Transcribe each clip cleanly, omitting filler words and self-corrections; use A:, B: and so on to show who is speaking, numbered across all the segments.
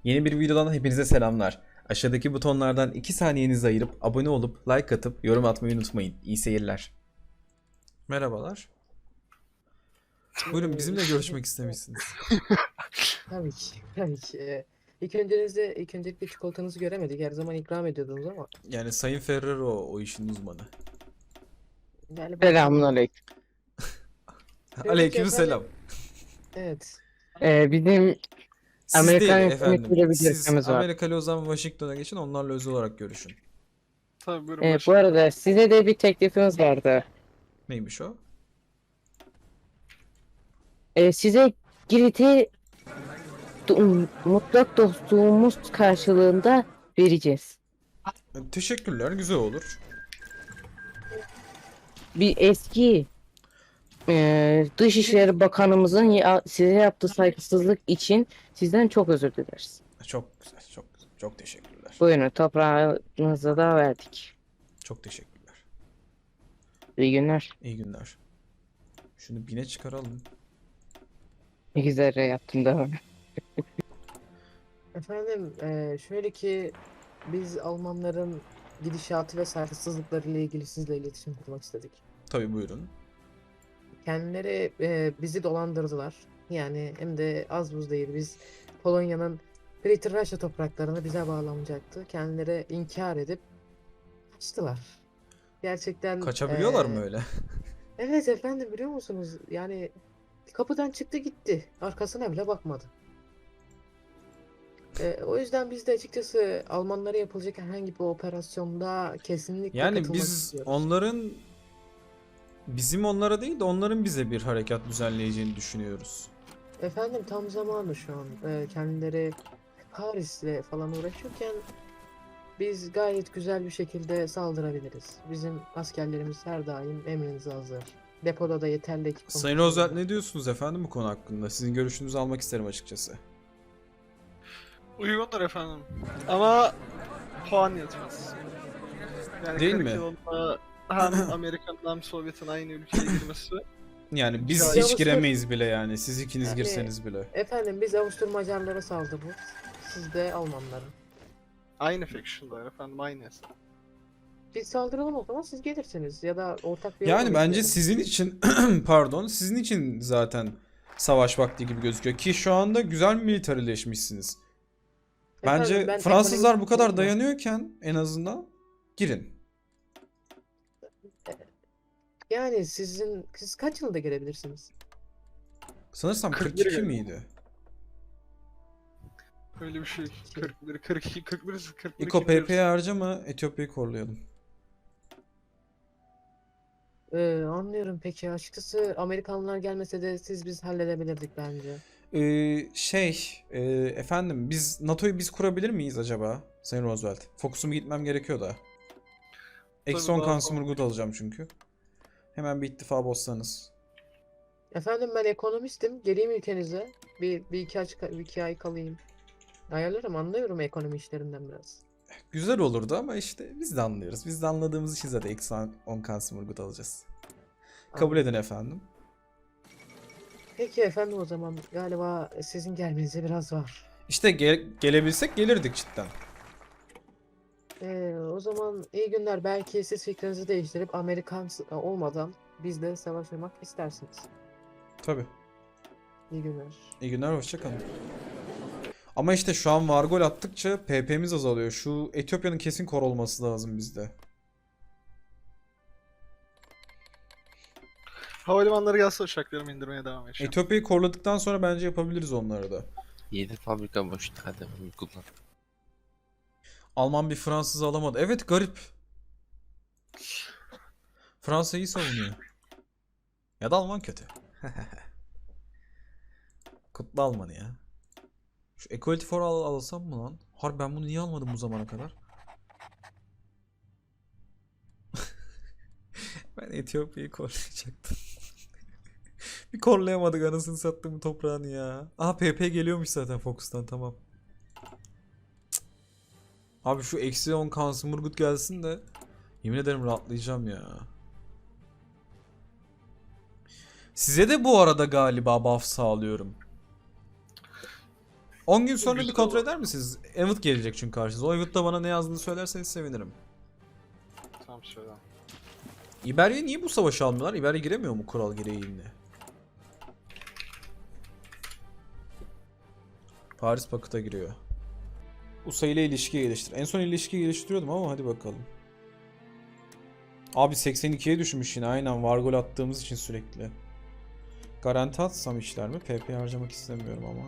A: Yeni bir videodan hepinize selamlar. Aşağıdaki butonlardan 2 saniyenizi ayırıp abone olup like atıp yorum atmayı unutmayın. İyi seyirler. Merhabalar. Buyurun bizimle
B: Şimdi
A: görüşmek istemişsiniz.
B: tabii ki, tabii ki. İlk öncelikle çikolatanızı göremedik. Her zaman ikram ediyordunuz ama
A: Yani Sayın Ferrero o işin uzmanı.
B: galiba tamam.
C: Selamünaleyküm.
B: Şöyle ki
A: Aleykümselam.
B: efendim, evet.
C: Bizim
A: Siz değil
C: Amerikan
A: efendim.
C: hükümetiyle bir
A: Siz
C: görüşmemiz var.
A: Amerikalı Ozan Washington'a geçin, onlarla özel olarak görüşün.
D: Tabii buyurun
C: Bu
D: başlayın.
C: arada size de bir teklifimiz vardı.
A: Neymiş o?
C: Size Girit'i mutlak dostluğumuz karşılığında vereceğiz.
A: Teşekkürler, güzel olur.
C: Bir eski Dışişleri Bakanımızın size yaptığı saygısızlık için sizden çok özür dileriz.
A: Çok güzel, çok güzel. Çok teşekkürler.
C: Buyurun, toprağınızı da verdik.
A: Çok teşekkürler.
C: İyi günler.
A: İyi günler. Şunu bine çıkaralım.
C: Ne güzel yaptım da.
B: Efendim, şöyle ki biz Almanların gidişatı ve saygısızlıkları ile ilgili sizle iletişim kurmak istedik.
A: Tabii buyurun.
B: Kendileri bizi dolandırdılar. Yani hem de az buz değil. Biz Polonya'nın Greater Russia topraklarına bize bağlanacaktı. Kendileri inkar edip kaçtılar. Gerçekten
A: Kaçabiliyorlar mı öyle?
B: evet efendim, biliyor musunuz? Yani kapıdan çıktı gitti. Arkasına bile bakmadı. O yüzden biz de açıkçası Almanlara yapılacak herhangi bir operasyonda kesinlikle
A: Yani
B: katılmak
A: biz
B: istiyoruz.
A: onların bizim onlara değil de onların bize bir harekat düzenleyeceğini düşünüyoruz.
B: Efendim tam zamanı şu an. Kendileri Paris'le falan uğraşırken biz gayet güzel bir şekilde saldırabiliriz. Bizim askerlerimiz her daim emrinize hazır. Depoda da yeterli ekipman.
A: Sayın Roosevelt, ne diyorsunuz efendim bu konu hakkında? Sizin görüşünüzü almak isterim açıkçası.
D: Uygundur efendim. Ama puan yetmez. Yani
A: Değil
D: 40
A: mi?
D: yılında hem Amerika'nın hem Sovyet'in aynı ülkeye girmesi.
A: Yani biz
D: Ya
A: hiç
B: Avustur-
A: giremeyiz bile yani. Siz ikiniz
B: Yani-
A: girseniz bile.
B: Efendim biz Avusturmacarlara saldırırız. Siz de Almanlara.
D: Aynı faction'da efendim, aynı hesap.
B: Biz saldıralım o zaman, siz gelirsiniz ya da ortak bir yol
A: Yani bence
B: izleyelim.
A: sizin için pardon, sizin için zaten savaş vakti gibi gözüküyor ki şu anda güzel militarileşmişsiniz. Bence
B: Efendim, ben
A: Fransızlar bu
B: ekonomist
A: kadar
B: değilim de.
A: dayanıyorken en azından girin.
B: Yani siz kaç yılda gelebilirsiniz?
A: Sanırsam
D: 41
A: 42
D: galiba.
A: miydi?
D: Öyle bir şey. 41, 42, 41, 41,
A: İko PP'ye harcama, Etiyopya'yı korlayalım.
B: Anlıyorum peki. Açıkçası Amerikanlar gelmese de biz halledebilirdik bence.
A: Efendim biz NATO'yu biz kurabilir miyiz acaba Sayın Roosevelt? Fokusuma gitmem gerekiyor da. Eksi 10
D: daha
A: Kansummurgut alacağım çünkü. Hemen bir ittifak bozsanız.
B: Efendim ben ekonomistim. Geleyim ülkenize. Bir iki ay kalayım. Ayarlarım, anlıyorum ekonomi işlerinden biraz.
A: Güzel olurdu ama işte biz de anlıyoruz. Biz de anladığımız için zaten eksi 10 Kansummurgut alacağız. Kabul edin efendim.
B: Peki efendim, o zaman galiba sizin gelmenize biraz var.
A: İşte gelebilsek gelirdik cidden.
B: O zaman iyi günler. Belki siz fikrinizi değiştirip Amerikan olmadan bizle savaşmak istersiniz.
A: Tabii.
B: İyi günler.
A: İyi günler, hoşça kalın. Ama işte şu an var gol attıkça PP'miz azalıyor. Şu Etiyopya'nın kesin kor olması lazım bizde.
D: Havalimanları gelse uçaklarımı indirmeye devam edeceğim.
A: Etiyopya'yı korladıktan sonra bence yapabiliriz onları da.
E: 7 fabrika boştu, hadi bunu kullan.
A: Alman bir Fransız alamadı. Evet, garip. Fransa iyi savunuyor. Ya da Alman kötü. Kutlu Alman'ı ya. Şu Equality for All alsam mı lan? Harbi ben bunu niye almadım bu zamana kadar? Ben Etiyopya'yı korlayacaktım. Bir korlayamadık, anasını sattım toprağını ya. Aha, PP geliyormuş zaten Focus'tan, tamam. Abi şu eksi 10 Kansummurgut gelsin de yemin ederim rahatlayacağım ya. Size de bu arada galiba buff sağlıyorum. 10 gün sonra bir
D: Güzel
A: kontrol
D: olur.
A: eder misiniz? Evet gelecek çünkü karşınıza. O evet'te bana ne yazdığını söylerseniz sevinirim.
D: Tamam söyle.
A: İberya niye bu savaşı almıyorlar? İberya giremiyor mu kural gereğiyle? Paris Pakıt'a giriyor. USA ile ilişki geliştir. En son ilişki geliştiriyordum ama hadi bakalım. Abi 82'ye düşmüş yine, aynen var gol attığımız için sürekli. Garanti atsam işler mi? PP harcamak istemiyorum ama.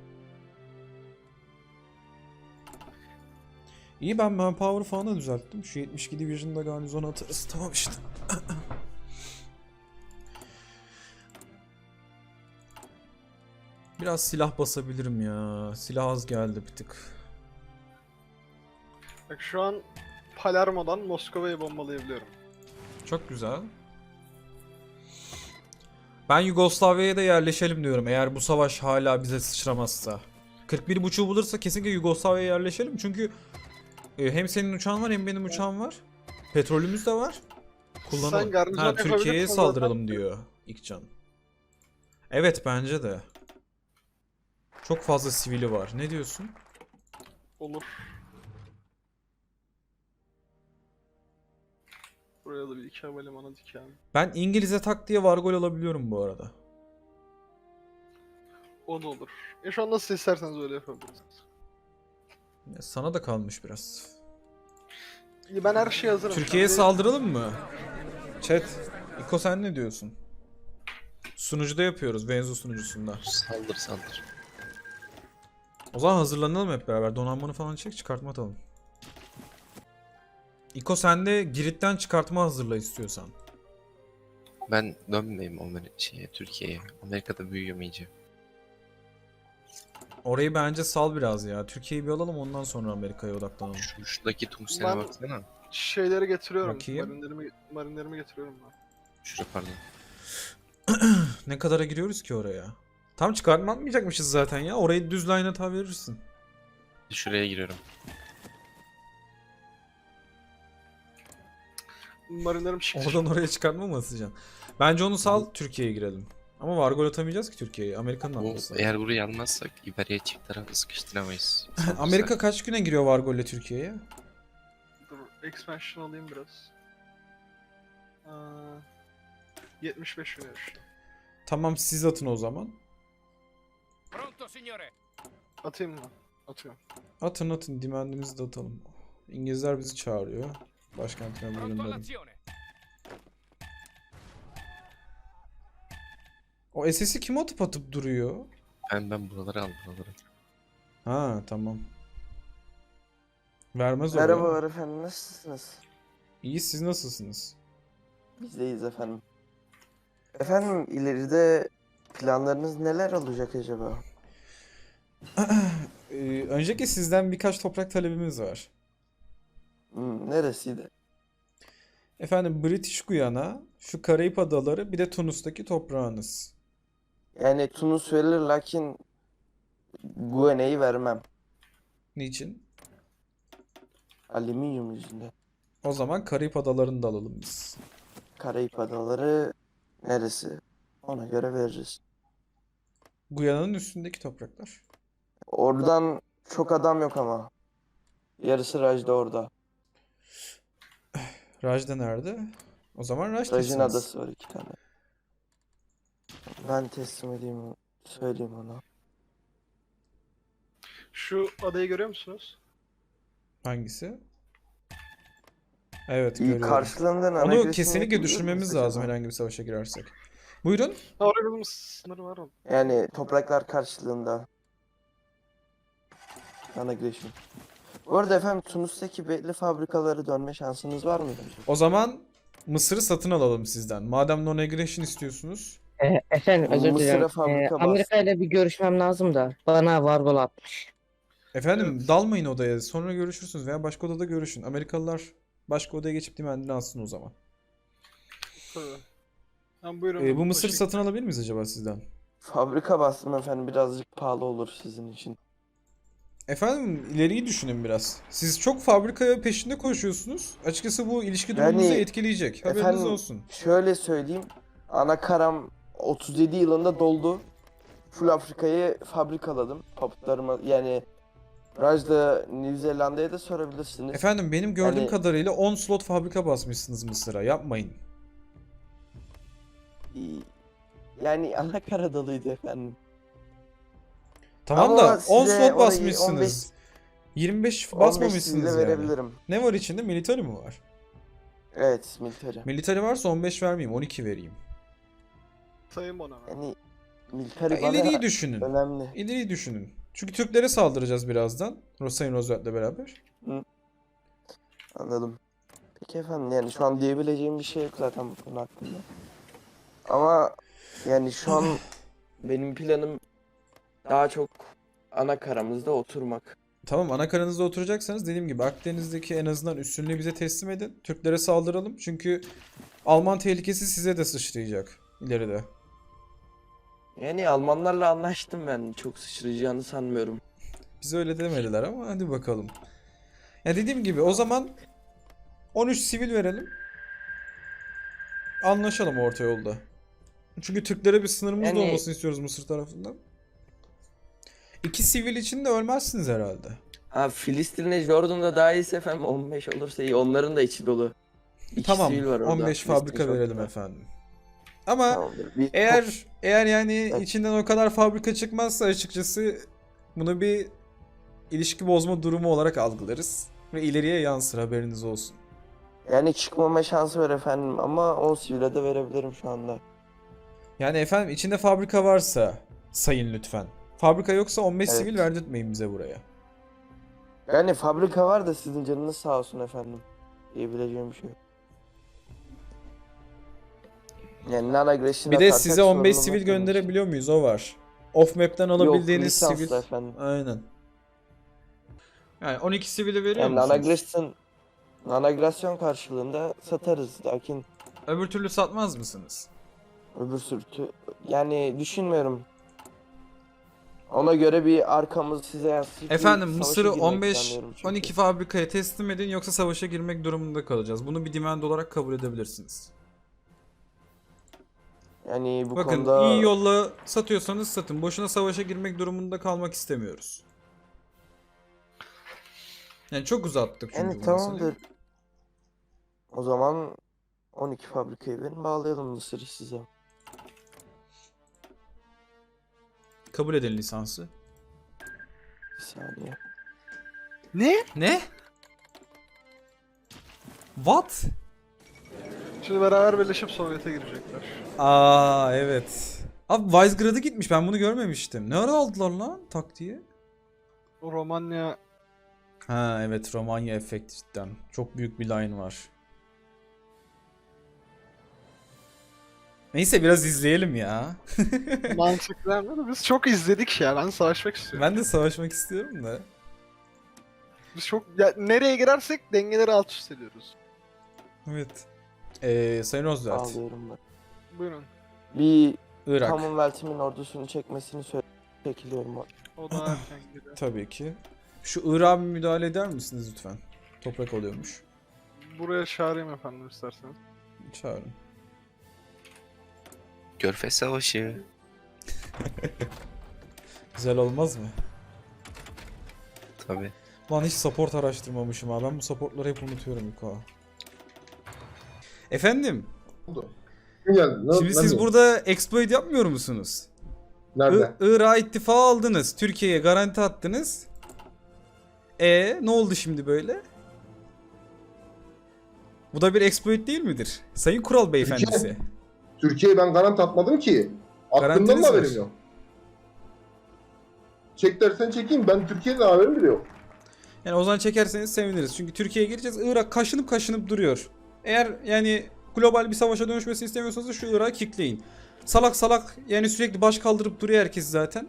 A: İyi, ben manpower falan da düzelttim. Şu 72 Division'da garnizon atarız. Tamam işte. Biraz silah basabilirim ya. Silah az geldi bir tık.
D: Bak şu an Palermo'dan Moskova'yı bombalayabiliyorum.
A: Çok güzel. Ben Yugoslavya'ya da yerleşelim diyorum eğer bu savaş hala bize sıçramazsa. 41.5'u bulursa kesinlikle Yugoslavya'ya yerleşelim çünkü hem senin uçağın var hem benim uçağım var. Petrolümüz de var. Kullanalım.
D: Sen garnizon
A: Ha, Türkiye'ye
D: yapabilirsin
A: saldıralım
D: zaten.
A: diyor İlkcan. Evet, bence de. Çok fazla sivili var. Ne diyorsun?
D: Olur. Buraya da bir iki havalimanı dikelim.
A: Ben İngiliz'e tak diye var gol alabiliyorum bu arada.
D: O da olur. Şu an nasıl isterseniz öyle yapabiliriz.
A: Ya sana da kalmış biraz.
D: İyi, ben her şeye hazırım.
A: Türkiye'ye
D: Şu an.
A: saldıralım mı? Chat, İko sen ne diyorsun? Sunucuda yapıyoruz, Venzo sunucusunda.
E: Saldır saldır.
A: O zaman hazırlanalım hep beraber. Donanmanı falan çek, çıkartma atalım. İko sen de Girit'ten çıkartma hazırla istiyorsan.
E: Ben dönmeyeyim Türkiye'ye. Amerika'da büyüyorum iyice.
A: Orayı bence sal biraz ya. Türkiye'yi bir alalım, ondan sonra Amerika'ya odaklanalım.
E: Şuradaki tungstene
D: Ben-
E: baksana.
D: Şeyleri getiriyorum.
A: Bakayım.
D: Marinlerimi getiriyorum ben.
E: Şurada pardon.
A: Ne kadara giriyoruz ki oraya? Tam çıkartma atmayacakmışız zaten ya. Orayı düz line hata verirsin.
E: Şuraya giriyorum.
D: Marinlerim çıktı.
A: Oradan oraya çıkartma mı atacaksın? Bence onu sal, Türkiye'ye girelim. Ama var gol atamayacağız ki Türkiye'ye. Amerika'nın
E: Bu,
A: atması.
E: eğer burayı almazsak İberya'yı çift tarafı sıkıştıramayız.
A: Amerika kaç güne giriyor var golle Türkiye'ye?
D: Dur, expansion alayım biraz. 75 güne düştü.
A: Tamam, siz atın o zaman.
D: Atayım mı? Atıyorum.
A: Atın atın, dimendimizi de atalım. İngilizler bizi çağırıyor. Başkentine buyurun dedim. O SS'i kim atıp duruyor?
E: Ben buraları aldım buraları.
A: Ha tamam. Vermez oraya.
F: Merhabalar efendim, nasılsınız?
A: İyi, siz nasılsınız?
F: Biz deyiz efendim. Efendim, ileride planlarınız neler olacak acaba?
A: Öncelikle sizden birkaç toprak talebimiz var.
F: Neresiydi?
A: Efendim, British Guyana, şu Karayip Adaları, bir de Tunus'taki toprağınız.
F: Yani Tunus verilir lakin Guinea'yı vermem.
A: Niçin?
F: Alüminyum yüzünden.
A: O zaman Karayip Adaları'nı da alalım biz.
F: Karayip Adaları neresi? Ona göre veririz.
A: Guyana'nın üstündeki topraklar.
F: Oradan çok adam yok ama. Yarısı Raj'da orada.
A: Rajda nerede? O zaman
F: Raj'ın
A: Raj'dasınız.
F: adası var 2 tane. Ben teslim edeyim, söyleyeyim ona.
D: Şu adayı görüyor musunuz?
A: Hangisi? Evet,
F: İyi,
A: görüyorum.
F: karşılığında
A: Onu
F: agresyon
A: kesinlikle
F: yapabilir
A: düşürmemiz
F: miyiz
A: lazım
F: acaba?
A: herhangi bir savaşa girersek. Buyurun.
D: Ha, oraya bizim sınırı var mı?
F: Yani topraklar karşılığında. Agression. Bu arada efendim, Tunus'taki belli fabrikalara dönme şansınız var mı?
A: O zaman Mısır'ı satın alalım sizden. Madem non-aggression istiyorsunuz.
C: Efendim özür
F: Mısır'a
C: dilerim.
F: fabrika
C: Amerika ile bir görüşmem lazım da bana var gol atmış.
A: Efendim
D: Evet.
A: dalmayın odaya. Sonra görüşürsünüz veya başka odada görüşün. Amerikalılar başka odaya geçip dimendini alsın o zaman.
D: Tabii. Tamam, buyurun.
A: Bu Mısır
D: Başı-
A: satın alabilir miyiz acaba sizden?
F: Fabrika bastım efendim, birazcık pahalı olur sizin için.
A: Efendim ileriyi düşünün biraz. Siz çok fabrikaya peşinde koşuyorsunuz. Açıkçası bu ilişki durumunuzu
F: Yani,
A: etkileyecek. Haberiniz
F: efendim,
A: olsun.
F: Şöyle söyleyeyim, ana karam 37 yılında doldu. full Afrika'yı fabrikaladım. Papıtlarıma yani Raj'da New Zelanda'ya da sorabilirsiniz.
A: Efendim benim gördüğüm
F: Yani-
A: kadarıyla 10 slot fabrika basmışsınız Mısır'a. Yapmayın.
F: Yani ana Karadalıydı efendim.
A: Tamam
F: Ama
A: da 10
F: size
A: slot
F: orayı
A: basmışsınız. 25
F: 15
A: basmamışsınız
F: de
A: yani.
F: verebilirim.
A: Ne var içinde? Military mi var?
F: Evet, military.
A: Military varsa 15 vermeyeyim, 12 vereyim.
D: Sayın bana.
F: Yani military
A: Ya
F: bana
A: ileriyi düşünün.
F: önemli.
A: İleriyi düşünün. Çünkü Türklere saldıracağız birazdan. Sayın Roosevelt'le beraber.
F: Anladım. Peki efendim yani şu an diyebileceğim bir şey yok zaten bu konu hakkında. Ama yani şu an benim planım daha çok ana karamızda oturmak.
A: Tamam, ana karanızda oturacaksanız dediğim gibi Akdeniz'deki en azından üstünlüğü bize teslim edin. Türklere saldıralım. Çünkü Alman tehlikesi size de sıçrayacak ileride.
F: Yani Almanlarla anlaştım ben. Çok sıçrayacağını sanmıyorum.
A: Bize öyle demediler ama hadi bakalım. Ya dediğim gibi o zaman 13 sivil verelim. Anlaşalım orta yolda. Çünkü Türklere bir sınırımız da
F: Yani-
A: olmasını istiyoruz Mısır tarafından. 2 sivil için de ölmezsiniz herhalde.
F: Ha Filistin'le Jordan'da daha iyiyse efendim 15 olursa iyi. Onların da içi dolu. İki
A: Tamam,
F: sivil var orada.
A: 15
F: Filistin,
A: fabrika
F: Jordan'da.
A: verelim efendim. Ama
F: Tamamdır. Bir
A: eğer yani
F: Evet.
A: içinden o kadar fabrika çıkmazsa açıkçası bunu bir ilişki bozma durumu olarak algılarız ve ileriye yansır, haberiniz olsun.
F: yani çıkmama şansı var efendim ama 10 sivile de verebilirim şu anda.
A: Yani efendim içinde fabrika varsa sayın lütfen. Fabrika yoksa 15
F: Evet.
A: sivil verdirtmeyin bize buraya.
F: Yani fabrika var da sizin canınız sağ olsun efendim. Diyebileceğim bir şey yok. Yani non-aggression
A: Bir de
F: atarsak
A: size 15
F: sorun
A: sivil
F: olmaz benim için.
A: gönderebiliyor muyuz? O var. Off map'ten alabildiğiniz
F: lisanslı
A: sivil.
F: efendim.
A: Aynen. Yani 12 sivili veriyor
F: Yani
A: musunuz?
F: non-aggression karşılığında satarız. Lakin
A: Öbür türlü satmaz mısınız?
F: öbür sürtü yani düşünmüyorum. Ona göre bir arkamız size yansıyıp bir
A: Efendim
F: savaşa
A: Mısır'ı
F: girmek
A: 15
F: planlıyorum çünkü.
A: 12 fabrikaya teslim edin yoksa savaşa girmek durumunda kalacağız. Bunu bir demand olarak kabul edebilirsiniz.
F: Yani bu
A: Bakın
F: konuda
A: iyi yolla satıyorsanız satın. Boşuna savaşa girmek durumunda kalmak istemiyoruz. Yani çok uzattık çünkü
F: yani
A: bu meseleyi.
F: tamamdır. O zaman 12 fabrikayı verin bağlayalım Mısır'ı size.
A: Kabul edin lisansı.
F: Bir saniye.
D: Ne?
A: Ne? What?
D: Şimdi beraber birleşip Sovyet'e girecekler.
A: Aa evet. Abi Visegrád'a gitmiş, ben bunu görmemiştim. Ne ara aldılar lan tak diye?
D: O Romanya
A: Ha evet, Romanya efekti cidden. Çok büyük bir line var. Neyse biraz izleyelim ya.
D: mantıklı ama biz çok izledik ya. Ben savaşmak istiyorum.
A: Ben de savaşmak istiyorum da.
D: Biz çok ya, nereye girersek dengeleri alt üst ediyoruz.
A: Evet. Sayın Roosevelt.
F: Bağlıyorum ben.
D: Buyurun.
F: Bir
A: Irak.
F: Commonwealth'imin ordusunu çekmesini çekiliyorum.
D: O da erken gidiyor.
A: Tabii ki. Şu Irak'a bir müdahale eder misiniz lütfen? Toprak oluyormuş.
D: Buraya çağırayım efendim isterseniz.
A: Çağırın.
E: Körfez Savaşı.
A: Güzel olmaz mı?
E: Tabii.
A: Lan hiç support araştırmamışım ha. Ben bu supportları hep unutuyorum Yuko. Efendim,
G: Kim geldi?
A: şimdi siz burada exploit yapmıyor musunuz?
G: Nerede?
A: Irak'a ittifa aldınız. Türkiye'ye garanti attınız. Ne oldu şimdi böyle? Bu da bir exploit değil midir? Sayın Kural Beyefendisi.
G: Türkiye'ye ben garanti atmadım ki. Attığımdan
A: Garantiniz
G: da
A: var.
G: haberim yok. Çek dersen çekeyim. Ben Türkiye'de haberim bile yok.
A: Yani o zaman çekerseniz seviniriz. Çünkü Türkiye'ye gireceğiz. Irak kaşınıp duruyor. Eğer yani global bir savaşa dönüşmesini istemiyorsanız da şu Irak'ı kickleyin. Salak salak yani sürekli baş kaldırıp duruyor herkes zaten.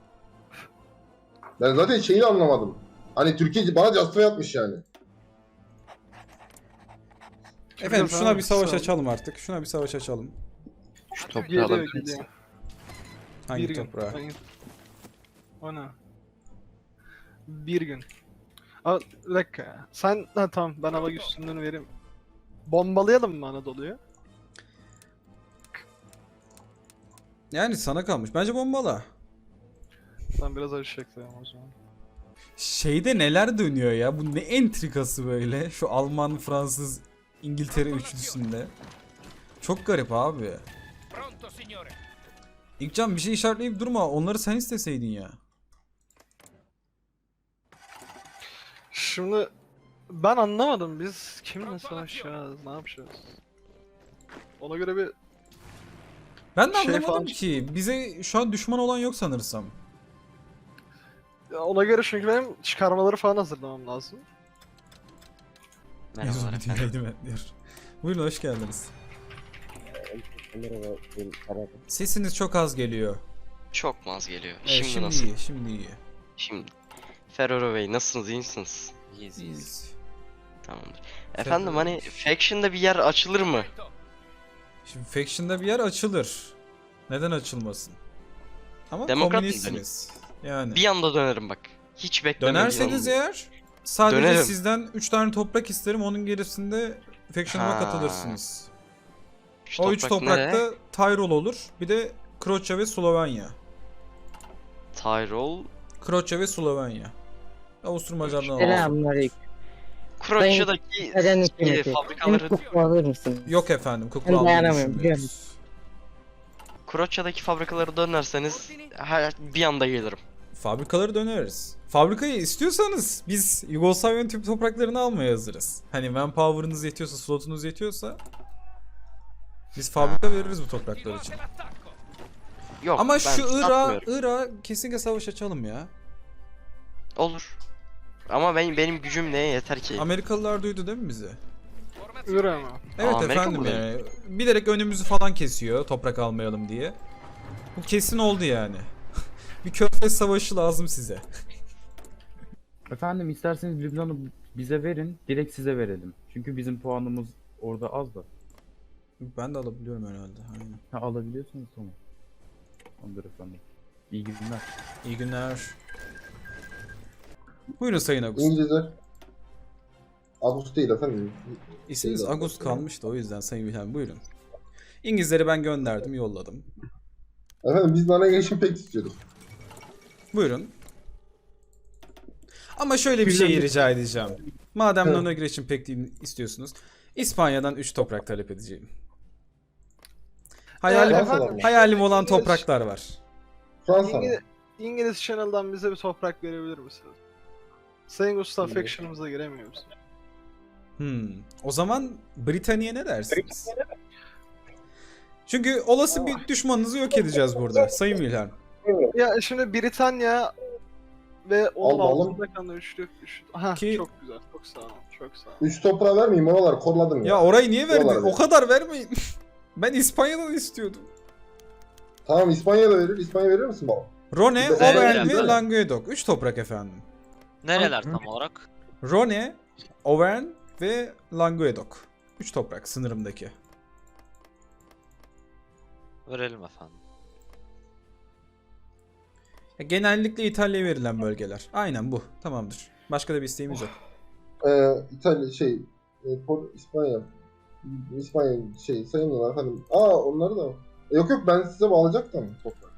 G: Ben zaten şeyi anlamadım. Hani Türkiye bana castıra yapmış yani.
A: Efendim
D: Şurada
A: şuna bir savaş
D: sağ ol.
A: açalım artık. Şuna bir savaş açalım.
E: Şu toprağı
D: Geliyor
E: alabilir
D: geliyor.
E: misin?
A: Hangi
D: Bir gün.
A: toprağa?
D: O ne? Bir gün. Aa, bir dakika ya. Sen ha tamam ben hava üstünlüğünü vereyim. Bombalayalım mı Anadolu'yu?
A: Yani sana kalmış. Bence bombala.
D: Ben biraz acı çektim o zaman.
A: Şeyde neler dönüyor ya? Bu ne entrikası böyle? Şu Alman, Fransız, İngiltere üçlüsünde. Çok garip abi. İlkcan bir şey işaretleyip durma. Onları sen isteseydin ya.
D: Şimdi ben anlamadım, biz kimle savaşacağız, ne yapacağız? Ona göre bir
A: Ben de
D: Şey
A: anlamadım
D: falan-
A: ki. Bize şu an düşman olan yok sanırsam.
D: ona göre çünkü benim çıkarmaları falan hazırlamam lazım.
H: Merhabalar
A: Mezun
H: efendim.
A: dinleydim ben diyor. Buyurun hoş geldiniz.
I: Merhaba, ben Arap.
A: Sesiniz çok az geliyor.
H: Çok mu az geliyor?
A: Evet,
H: Şimdi nasıl?
A: iyi, şimdi iyi.
H: Şimdi. Ferrero Bey nasılsınız? İyi misiniz?
A: İyiyiz.
H: Tamamdır. Efendim hani Faction'da bir yer açılır mı?
A: Şimdi Faction'da bir yer açılır. Neden açılmasın? Ama
H: Demokrat mı
A: komünistsiniz. Yani.
H: Bir anda dönerim bak. Hiç beklemediğim
A: Dönerseniz
H: anda.
A: eğer sadece
H: Dönerim.
A: sizden 3 tane toprak isterim. Onun gerisinde Faction'ıma
H: Ha.
A: katılırsınız.
H: Şu
A: O 3
H: toprak
A: toprakta
H: nere?
A: Tyrol olur. Bir de Kroçya ve Slovenya.
H: Tyrol.
A: Kroçya ve Slovenya. Avusturya Macar'dan alalım.
C: Selamünaleyküm.
H: Kroatya'daki
C: Neden hükümeti? Benim
H: fabrikaları
C: kukla alır mısın?
A: Yok efendim, kukla
C: Ben
A: almayı
C: dayanamıyorum,
A: düşünmüyoruz.
H: Kroatya'daki fabrikaları dönerseniz bir anda gelirim.
A: Fabrikaları döneriz. Fabrikayı istiyorsanız biz Yugoslavya'nın tüm topraklarını almaya hazırız. Hani manpower'ınız yetiyorsa, slotunuz yetiyorsa biz fabrika veririz bu topraklar için.
H: Yok
A: Ama
H: ben
A: şu
H: satmıyorum.
A: Irak'a kesinlikle savaş açalım ya.
H: Olur. Ama benim gücüm neye yeter ki?
A: Amerikalılar duydu değil mi bizi?
D: Ürü ama.
A: Evet
H: Amerika
A: efendim
H: mı
A: yani. Bilerek önümüzü falan kesiyor toprak almayalım diye. Bu kesin oldu yani. Bir körfez savaşı lazım size.
I: Efendim isterseniz Lübnan'ı bize verin, direkt size verelim. Çünkü bizim puanımız orada az da.
A: Ben de alabiliyorum herhalde. Aynen.
I: Ha, alabiliyorsanız tamam. Tamamdır efendim. İyi günler.
A: İyi günler. Buyurun Sayın Agust.
G: İngilizler. Ağustos değil efendim.
A: İsminiz
G: Değil,
A: Agust
G: efendim.
A: kalmıştı o yüzden Sayın Wilhelm buyurun. İngilizleri ben gönderdim, yolladım.
G: Efendim biz navigation pek istiyorduk.
A: Buyurun. Ama şöyle bir şey rica edeceğim. Madem
G: Evet.
A: navigation pek istiyorsunuz, İspanya'dan 3 toprak talep edeceğim. Hayalim,
G: Fransalar mı?
A: hayalim olan
D: İngiliz-
A: topraklar var.
G: Fransa mı?
D: İngiliz Channel'dan bize bir toprak verebilir misiniz? Sayın Gustav
G: İyi.
D: Faction'ımıza giremiyor musun?
A: O zaman Britanya ne dersiniz? Çünkü olası bir düşmanınızı yok edeceğiz burada Sayın Wilhelm.
D: Ya şimdi Britanya ve onun
G: Allah Allah.
D: altında kalan üçlü. Ha
A: Ki-
D: çok güzel. Çok sağ olun. Çok sağ olun.
G: 3 toprağı vermeyeyim oraları korladım ya.
A: Ya orayı niye verdin?
G: Oralar
A: O kadar vermeyin. Ben İspanya'dan istiyordum.
G: Tamam İspanya'da verir. İspanya verir misin baba?
A: Rone,
G: Bir de-
A: Auvergne
G: Evet,
A: ve
G: evet.
A: Languedoc. 3 toprak efendim.
J: Nereler tam olarak?
A: Rone, Auvergne ve Languedoc. 3 toprak sınırımdaki.
J: Verelim efendim.
A: Genellikle İtalya'ya verilen bölgeler. Aynen bu. Tamamdır. Başka da bir isteğimiz yok.
G: İtalya İspanya. İspanya sayılmıyorlar efendim. Onları da. Yok ben size bağlayacaktım toprak.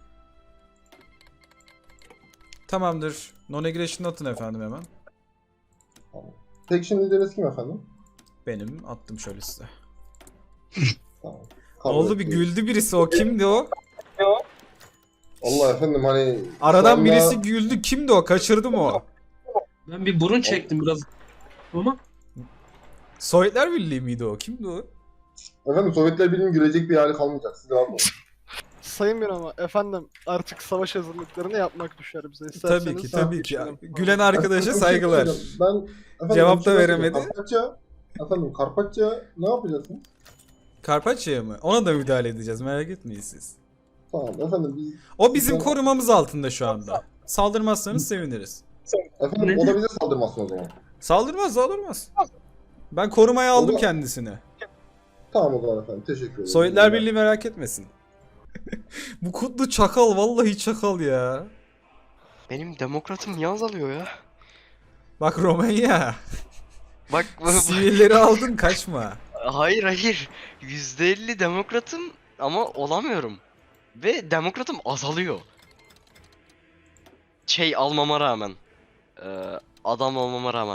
A: Tamamdır. Non-aggression atın efendim hemen.
G: Tamam. Faction lideriniz kim efendim?
A: Benim attım şöyle size.
G: Tamam.
A: Ne
G: Kabul
A: oldu bir
G: ediyoruz.
A: güldü birisi o kimdi o?
G: Allah efendim hani.
A: Aradan
G: sonra-
A: birisi güldü kimdi o? Kaçırdım o.
K: Ben bir burun çektim biraz. Ama
A: Sovyetler Birliği miydi o? Kimdi o?
G: Efendim Sovyetler Birliği'nin gülecek bir hali kalmayacak. Siz rahat olun.
D: Sayın bir ama efendim artık savaş hazırlıklarını yapmak düşer bize.
A: Tabii
D: İsterseniz
A: ki tabii ki.
D: geçelim.
A: Gülen arkadaşa
G: Efendim,
A: saygılar.
G: bir şey söyleyeceğim. Ben
A: Cevap
G: bir şey
A: da
G: söyleyeceğim.
A: veremedi.
G: Karpatça ne yapacaksınız?
A: Karpaçya'ya mı? Ona da müdahale edeceğiz merak etmeyin siz.
G: Tamam efendim biz
A: O bizim
G: Ben-
A: korumamız altında şu anda. Saldırmazsanız seviniriz.
G: efendim o da bize saldırmasın o zaman.
A: Saldırmaz. Ben korumaya aldım
G: O da-
A: kendisini.
G: Tamam o zaman efendim teşekkür ederim.
A: Sovyetler Birliği merak etmesin. Bu kutlu çakal vallahi çakal ya.
H: Benim demokratım niye azalıyor ya?
A: Bak Romanya.
H: Bak
A: Sivilleri aldın kaçma.
H: hayır. %50 demokratım ama olamıyorum. Ve demokratım azalıyor. şey almama rağmen. Adam olmama rağmen.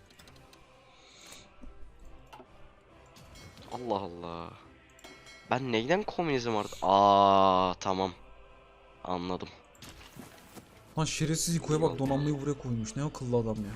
H: Allah Allah. Ben neyden komünizm artık? Tamam. Anladım.
A: Lan şerefsiz İko'ya bak, donanmayı buraya koymuş. Ne akıllı adam ya.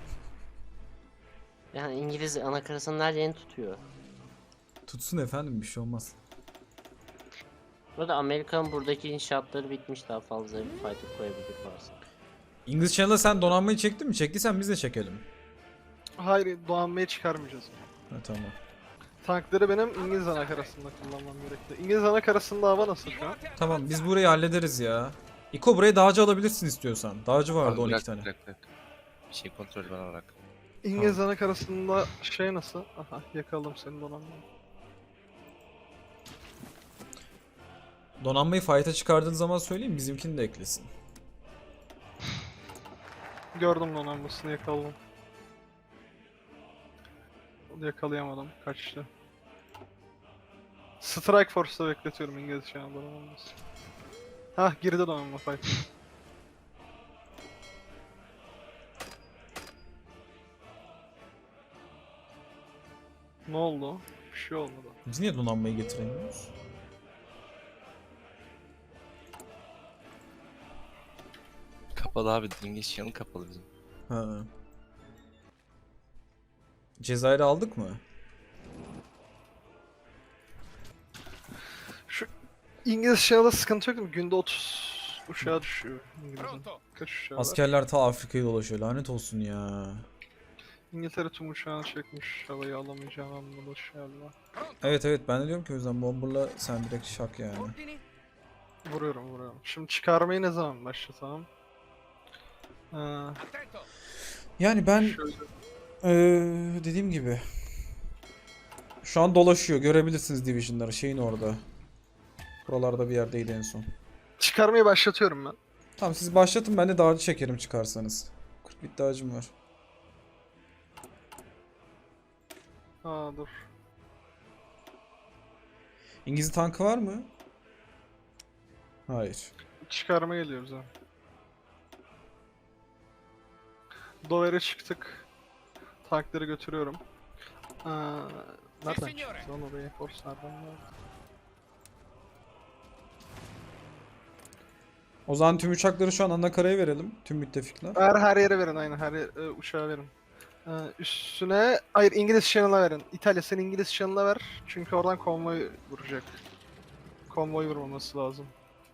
C: Yani İngiliz anakarasının her yerini tutuyor.
A: Tutsun efendim, bir şey olmaz.
C: Burada Amerika'nın buradaki inşaatları bitmiş, daha fazla bir fayda koyabilir varsa.
A: İngiliz Channel'a sen donanmayı çektin mi? Çektiysen biz de çekelim.
D: Hayır, donanmayı çıkarmayacağız.
A: Ha, tamam.
D: Tankları benim İngiliz anakarasında kullanmam gerekli. İngiliz anakarasında hava nasıl şu an?
A: Tamam, biz burayı hallederiz ya. İko, buraya dağcı alabilirsin istiyorsan. Dağcı vardı 12 tane.
E: Bırak. Bir şey kontrol bana bırak.
D: İngiliz anakarasında şey nasıl? Aha, yakaladım senin donanmayı.
A: Donanmayı fight'a çıkardığın zaman söyleyeyim, bizimkini de eklesin.
D: Gördüm donanmasını, yakaladım. Yakalayamadım, kaçtı. Strike Force'da bekletiyorum İngiliz şu an donanması. Hah, girdi donanma fight. Ne oldu? Bir şey olmadı.
A: Biz niye donanmayı getiremiyoruz?
E: Kapalı abi. İngiliz Channel kapalı bizim.
A: Ha. Cezayir'i aldık mı?
D: Şu İngiliz Channel'da sıkıntı yok değil mi? Günde 30 uçağa düşüyor İngiliz'in. Kaç uçağı var?
A: Askerler ta Afrika'yı dolaşıyor, lanet olsun ya.
D: İngiltere tüm uçağını çekmiş. Havayı alamayacağını anlamış galiba.
A: Evet ben de diyorum ki o yüzden Bomber'la sen direkt şak yani.
D: Vuruyorum. Şimdi çıkarmayı ne zaman başlatalım?
A: Yani ben
D: Şöyle.
A: dediğim gibi şu an dolaşıyor, görebilirsiniz Division'ları şeyin orada. Buralarda bir yerdeydi en son.
D: Çıkarmayı başlatıyorum ben.
A: Tamam, siz başlatın, ben de dağcı çekerim çıkarsanız. 40 bit dağcım var.
D: Dur.
A: İngiliz tankı var mı? Hayır.
D: Çıkarma geliyoruz ha. Dover'e çıktık. Tankları götürüyorum. Nereden çıktı lan oraya? Force nereden geldi?
A: O zaman tüm uçakları şu an anakaraya verelim. Tüm müttefikler.
D: Her yere verin, aynen her uçağa verin. Üstüne, hayır İngiliz Channel'a verin. İtalya sen İngiliz Channel'a ver. Çünkü oradan konvoy vuracak. Konvoy vurmaması lazım.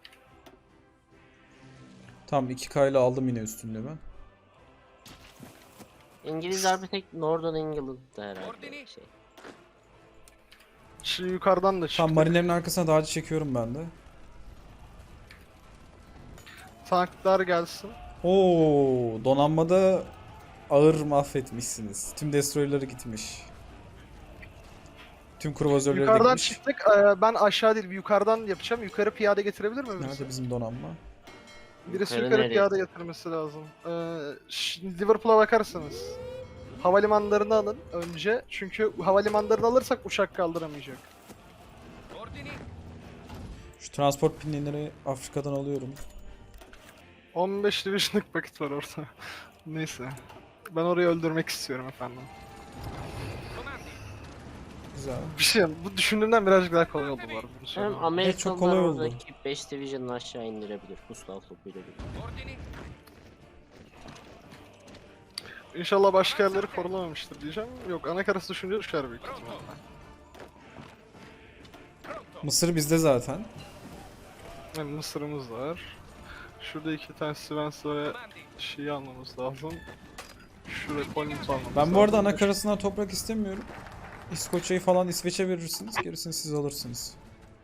A: Tamam, 2K ile aldım yine üstünde ben.
C: İngilizler bir tek Northern England'da herhalde şey.
D: Şu yukarıdan da çıktık.
A: Tamam, marinlerin arkasına dağcı çekiyorum ben de.
D: Tanklar gelsin.
A: Oo, donanmada ağır mahvetmişsiniz. Tüm destroyer'ları gitmiş. Tüm kruvazörleri de
D: Yukarıdan
A: gitmiş.
D: çıktık. Ben aşağı değil, yukarıdan yapacağım. Yukarı piyade getirebilir mi birisi?
A: Nerede bizim donanma?
D: Birisi
C: Yukarı
D: yukarı
C: nereye?
D: piyade getirmesi lazım. Liverpool'a bakarsanız. Havalimanlarını alın önce. Çünkü havalimanlarını alırsak uçak kaldıramayacak.
A: Şu transport pinleri Afrika'dan alıyorum.
D: 15 division'lık paket var orada. Neyse. Ben orayı öldürmek istiyorum efendim.
A: Güzel.
D: Bir şey, bu düşündüğümden birazcık daha kolay oldu bu arada. bunu
C: Hem
D: söylemem.
A: çok
C: Amerikalılar
A: kolay oldu.
C: oradaki 5 Division'ı aşağı indirebilir. Gustav topuyla birlikte.
D: İnşallah başka yerleri korulamamıştır diyeceğim. Yok, anakarası düşünce düşer büyük ihtimalle.
A: Mısır bizde zaten.
D: Yani Mısır'ımız var. Şurada 2 tane Svenslere şeyi almamız lazım. Şuraya Collins almamız
A: Ben bu arada
D: lazım.
A: anakarasından toprak istemiyorum. İskoçya'yı falan İsveç'e verirsiniz. Gerisini siz alırsınız.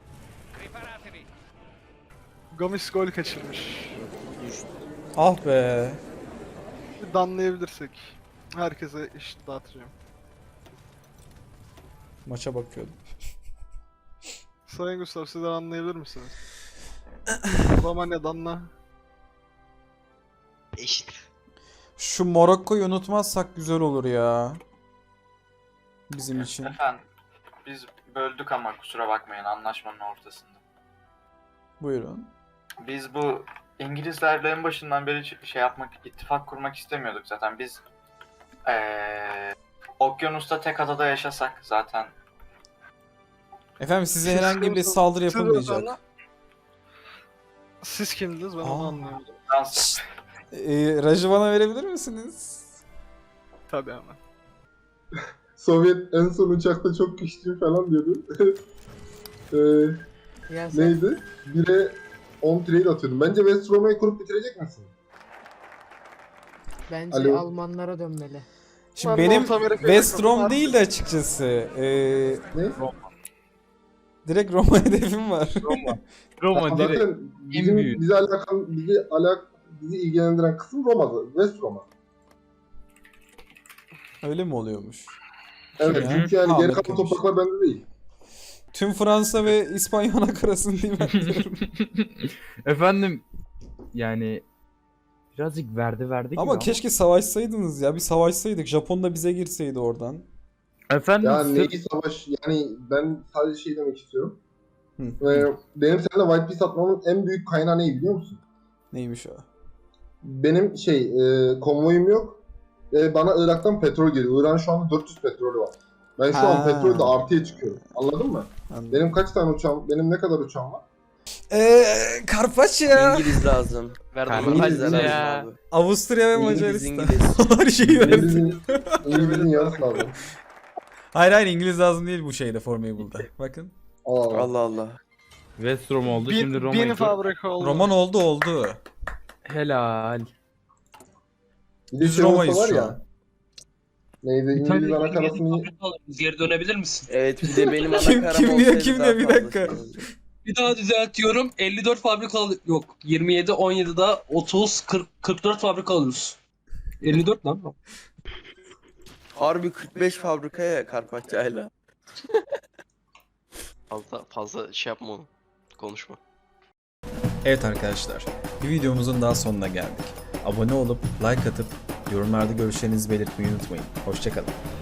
D: Gomis gol kaçırmış.
A: Ah be.
D: Bir danlayabilirsek. Herkese eşit dağıtacağım.
A: Maça bakıyordum.
D: Sayın Gustav, sizden anlayabilir misiniz? Romanya danla.
H: Eşit.
A: Şu Morokko'yu unutmazsak güzel olur ya. Bizim için.
L: Efendim, biz böldük ama kusura bakmayın anlaşmanın ortasında.
A: Buyurun.
L: Biz bu İngilizlerle en başından beri şey yapmak, ittifak kurmak istemiyorduk zaten. Biz okyanusta tek adada yaşasak zaten.
A: Efendim size
D: Siz
A: herhangi bir
D: kimsiniz?
A: saldırı
D: Siz
A: yapılmayacak.
D: özel- Siz kimdiniz ben onu
A: Aa.
D: anlayamadım.
L: Dans.
A: Rajı bana verebilir misiniz?
D: Tabii hemen.
G: Sovyet en son uçakta çok güçlü falan diyordu.
B: Ya sen
G: Neydi? 1'e 10 trade atıyordum. Bence West Roma'yı kurup bitirecek misin?
B: bence
G: Alo.
B: Almanlara dönmeli.
A: Şimdi
D: Ben
A: benim
D: North Amerika'ya
A: West
D: takıldım
A: Rom
D: artık.
A: değil de açıkçası.
G: Ne?
A: Direkt Roma hedefim var.
I: Roma direkt.
G: Zaten bizim,
I: büyüğü.
G: bizi ilgilendiren kısım Roma'dı. West Roma.
A: Öyle mi oluyormuş?
G: Evet,
A: Ya.
G: çünkü yani geri kalan
A: Harikaymış.
G: topraklar bende değil.
A: Tüm Fransa ve İspanya anakarasını değil mi?
I: Efendim yani birazcık verdi gibi
A: Ama keşke savaşsaydınız ya. Bir savaşsaydık. Japon da bize girseydi oradan.
I: Efendim
G: Yani
I: sırf-
G: neyi savaş, yani ben sadece şey demek istiyorum.
A: Hı.
G: Benim seninle White Piece atmamın en büyük kaynağı ne biliyor musun?
A: Neymiş o?
G: Benim konvoyum yok. Bana Irak'tan petrol geliyor. Irak'ın şu anda 400 petrolü var. Ben şu
A: Ha.
G: an petrolde artıya çıkıyorum. Anladın mı?
A: Anladım.
G: Benim kaç tane uçağım, benim ne kadar uçağım var?
A: Karpaçya.
F: İngiliz lazım.
H: Verdim.
F: İngilizler
H: Hadi
F: lazım
H: ya.
F: abi.
A: Avusturya ve
F: İngiliz,
A: Macaristan.
F: İngiliz.
A: Her şeyi verdim.
G: İngiliz'in yarısı lazım.
A: Hayır İngiliz lazım değil bu şeyde Formable'da. Bakın.
G: Allah.
F: Allah Allah.
I: West Rom oldu şimdi
D: Bin
I: Roma'yı.
D: fabrika oldu.
A: Roman oldu.
I: Helal.
G: Bir de
A: Biz
G: şey olsa
A: Roma'yız
G: var
A: şu
G: ya.
A: an.
G: Neydi? İngiliz anakarasını
K: Geri dönebilir misin?
F: Evet bir de benim
A: Kim-
F: ana
A: kim
F: karam
A: diyor,
F: olsaydı
A: kim
F: daha
A: diyor? Bir
F: fazla
A: dakika.
F: şey olurdu.
K: Bir daha düzeltiyorum. 54 fabrika yok. 27, 17'da 30, 40, 44 fabrika alıyoruz. 54 lan.
F: Harbi 45 fabrikaya Karpaçayla.
H: Fazla şey yapma onu. Konuşma.
A: Evet arkadaşlar. Bir videomuzun daha sonuna geldik. Abone olup like atıp yorumlarda görüşlerinizi belirtmeyi unutmayın. Hoşçakalın.